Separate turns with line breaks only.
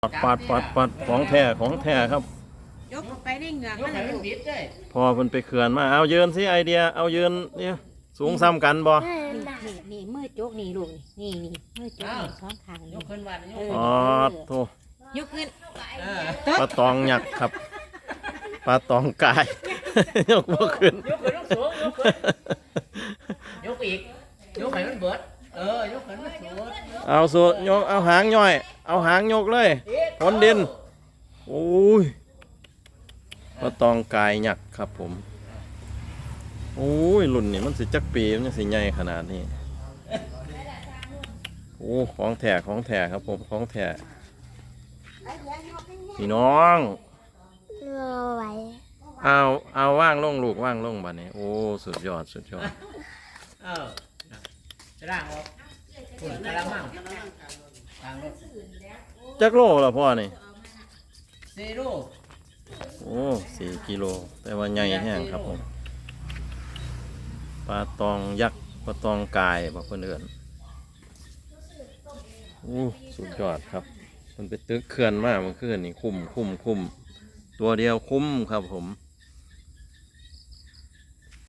ปัดของแท้ครับ
ยกไปได้เหงือก
ยก
มัน
ให้มัน
ลูก
บิดเลย
พอเพิ่นไปเขื่อนมาเอายืนสิไอเดียเอายืนเนี่ยสูงซ้ำกันบ่
นี่มือโจกนี่ลูกนี่มือโจกนี่สองข้าง
ย
นี่
กขึ้นวันยก
อ๋อโธ่
ยกขึ้น
ปลาตองหยักครับปลาตองกาย ยกบ่ขึ้น
ยกขึ้นต้องสูงยกขึ้นยกอีกยกให้มันเบิดยกขึ้นมันสูง
เอาสุดยกเอาหางย่อยเอาหางยกเลยพ้นดินโอ้ยปลาตองกายหยักครับผมโอ้ยรุ่นนี่มันสิจักปีมันยังสิใหญ่ขนาดนี้โอ้ของแท้ครับผมของแท้พี่น้อง
รอไว้
เอาว่างลงลูกว่างลงบัดนี้โอ้สุดยอด
จะร่างออกฝุ่นกระมังทางรถ
จักโลละพ่อนี่
ซีรู
โอ้4 กิโลแต่ว่าใหญ่แห้งครับผมปลาตองยักษ์ปลาตองกายบอกคนอื่นโอ้สุดยอดครับมันไปตึกเขื่อนมากเมื่อคืนนี่คุ้มตัวเดียวคุ้มครับผม